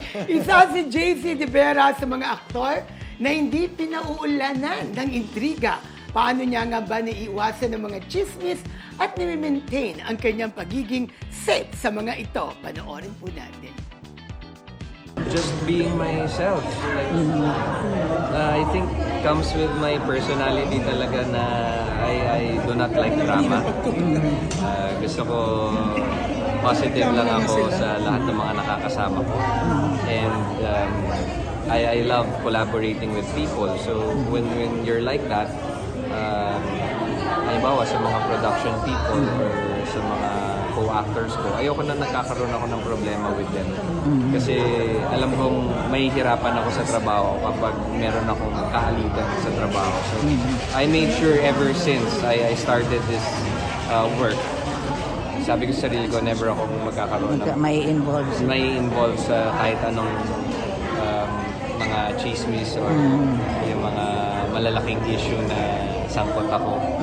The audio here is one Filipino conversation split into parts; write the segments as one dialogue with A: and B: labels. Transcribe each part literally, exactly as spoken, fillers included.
A: Isa si J C De Vera sa mga aktor na hindi pinauulanan ng intriga. Paano niya nga ba naiiwasan ng mga chismis at nimi-maintain ang kanyang pagiging safe sa mga ito? Panoorin po natin.
B: Just being myself. Like, uh, I think comes with my personality talaga na I, I do not like drama. Uh, gusto ko positive lang ako sa lahat ng mga nakakasama ko. And um, I, I love collaborating with people. So when, when you're like that, um, halimbawa sa mga production people or sa mga co-actors ko, ayoko na nagkakaroon ako ng problema with them. Kasi alam kong mahihirapan ako sa trabaho kapag meron akong kaalitan sa trabaho. So I made sure ever since I, I started this uh, work, sabi ko sa sarili ko, never akong magkakaroon ng
C: May involve.
B: may involve sa kahit anong um, mga chismis or yung mga malalaking issue na sangkot ako.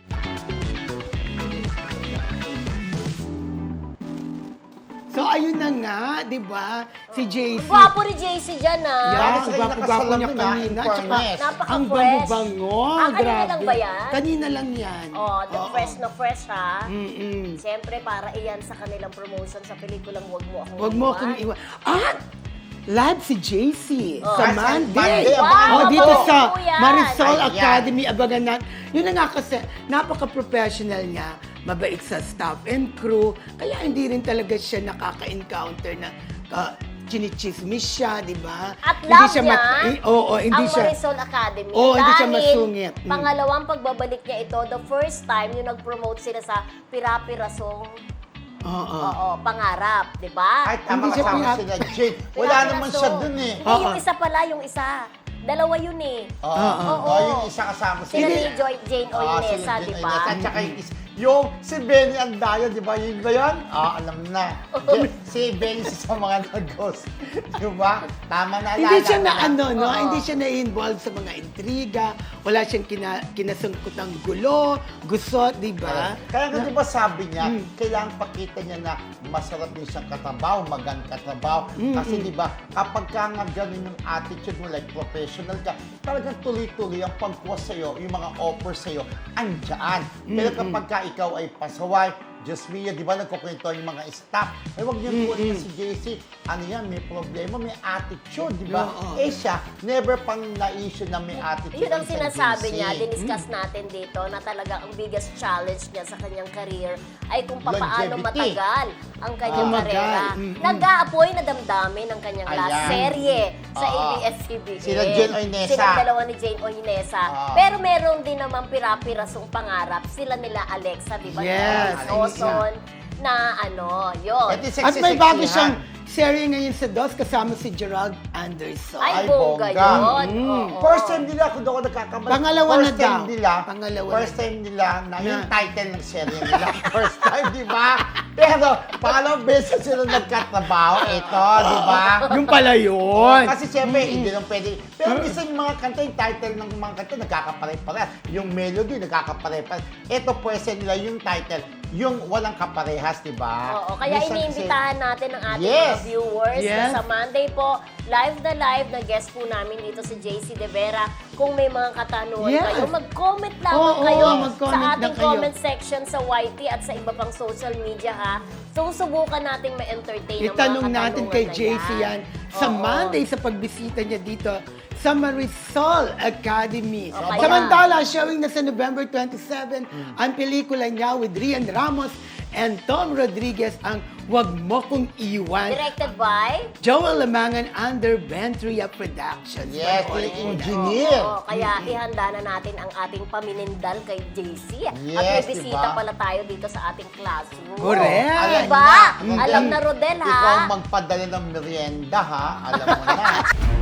A: So ayun na nga, di ba? Si J C.
D: Gwapo ni J C dyan, ah.
A: Yeah,
E: Bakit kayo
A: gwapo-gwapo niya
E: nakasalamin, ah,
A: kanina.
E: in
A: Tsaka,
E: fairness?
A: ang
D: Napaka-fresh.
A: bango-bango.
D: Ah, kanina
A: Grabe.
D: lang ba yan?
A: Kanina lang yan.
D: Oh, the
A: Oo.
D: fresh na fresh, ha?
A: Mm-mm.
D: Siyempre, para iyan sa kanilang promotion sa pelikulang Huwag Mo Akong
A: Huwag mo akong iwan. At live si J C
D: Oh.
A: sa
E: Ah, sa
A: Monday.
E: Monday,
D: abangan
A: Oh,
D: mo.
A: dito
D: Oo,
A: sa
D: po yan.
A: Marisol
E: Ayan.
A: Academy. Abangan natin. Yun na nga kasi, napaka-professional niya. Mabait sa staff and crew. Kaya hindi rin talaga siya nakaka-encounter na uh, chinichismis siya, di ba?
D: At
A: Hindi
D: love
A: siya
D: niya,
A: mat- eh, oo, hindi
D: ang
A: siya.
D: Marisol Academy.
A: Oo, hindi siya
D: Dahil
A: masungit. Mm.
D: pangalawang pagbabalik niya ito, the first time yung nag-promote sila sa Pirapirasong
A: Oo.
D: oo, pangarap, di ba?
E: Ay, tama
A: Hindi siya
E: kasama
A: pinap-
E: sila, Jade. Wala naman siya dun eh.
D: Hindi, yung
A: Oo.
D: isa pala, yung isa. Dalawa yun eh.
E: Oo.
A: Oo.
E: Oo, yung isa kasama
D: Sila
E: sila.
D: ni Joy, Jane
E: Oo,
D: Oinesa,
E: sila
D: di
E: Jane
D: ba?
E: Oinesa. At saka yung, is- yung si Benny Andayo, di ba? Yun ba yun? Oo, alam na. Yun, si Benny sa mga nagos. Di ba? Tama na.
A: Hindi siya na
E: alala.
A: ano, no?
E: Oo.
A: Hindi siya na-involve sa mga intriga. Wala siyang kina, kinasangkot ng gulo, gusot, di ba?
E: Kaya nga di ba sabi niya,
A: Mm.
E: kailangan pakita niya na masarap din siyang katrabaho, magandang katrabaho. Kasi di ba, kapag ka nga ganun yung attitude mo, like professional ka, talagang tuloy-tuloy ang pagkuha sa'yo, yung mga offer sa'yo, andyan. Pero kapag ka ikaw ay pasaway, just me, di ba, nagkukwento yung mga staff, ay huwag niyo mm si J C, ano yan, may problema, may attitude, di ba?
A: Oo.
E: Eh siya, never pang na-issue na may attitude.
D: Yun ang
E: si
D: sinasabi
E: J C.
D: niya, diniscuss natin dito na talaga ang biggest challenge niya sa kanyang career ay kung paano
E: Longevity.
D: matagal ang kanyang
A: Tumagal.
D: karera.
A: Mm-mm.
D: Nag-aapoy na damdamin ang kanyang last
E: Ayan.
D: serye sa
E: Oo.
D: A B S C B N.
E: Sila Jane Oinesa.
D: Sila dalawa ni Jane Oinesa.
E: Oo.
D: Pero meron din naman pirapirasong pangarap. Sila nila Alexa, di ba?
A: Yes,
D: Oson, na ano, yun.
E: Ito yung
A: At may bago
E: sexy-sexyhan.
A: siyang serye ngayon sa D O S kasama si Gerald Anderson.
D: Ay,
E: Ay,
D: bongga
E: bongga.
D: yun.
A: Mm.
D: Oo.
E: First time nila, kung doon ako nagkakamali.
A: Pangalawa
E: first
A: na
E: time
A: daw.
E: Nila,
A: Pangalawa
E: first
A: na.
E: time nila na yung
A: Na.
E: title ng serye nila. First time, di ba? Pero, pangalawang beses sila nagkatrabaho. Ito, di ba?
A: Yung pala yun.
E: Kasi siyempre, hindi lang pwede. Pero minsan yung mga kanta, yung title ng mga kanta, nagkakapare-pareha. Yung melody, nagkakapare-pareha. Ito pwede nila yung title, yung walang kaparehas, di ba?
D: Oo, kaya
E: Minsan kasi-
D: iniimbitahan natin ang ating
E: Yes.
D: mga viewers
A: Yes.
D: na sa Monday po, live na live na guest po namin dito si J C De Vera. Kung may mga katanungan
A: Yes.
D: kayo, mag-comment lamang
A: Oo,
D: kayo
A: mag-comment
D: sa
A: na
D: ating
A: kayo.
D: comment section sa Y T at sa iba pang social media, ha. Susubukan nating ma-entertain ang mga
A: Itanong natin
D: katanungan
A: kay
D: na
A: J C yan sa
D: Oo.
A: Monday sa pagbisita niya dito sa Marisol Academy.
D: Okay.
A: Samantala, showing na sa November twenty-seven ang pelikula niya with Rian Ramos and Tom Rodriguez, ang Huwag Mo Kong Iwan.
D: Directed by?
A: Joel Lamangan under Ventria Productions.
E: Yes,
A: Panoorin
E: yung
A: mo na.
E: engineer.
D: Oo, kaya ihanda na natin ang ating paminindal kay J C. At may
E: Yes,
D: bisita
E: diba?
D: pala tayo dito sa ating classroom.
A: Correct.
E: Alam
D: Diba?
E: na.
D: Alam na, Rodel, ha?
E: Ikaw magpadala ng merienda, ha? Alam mo na.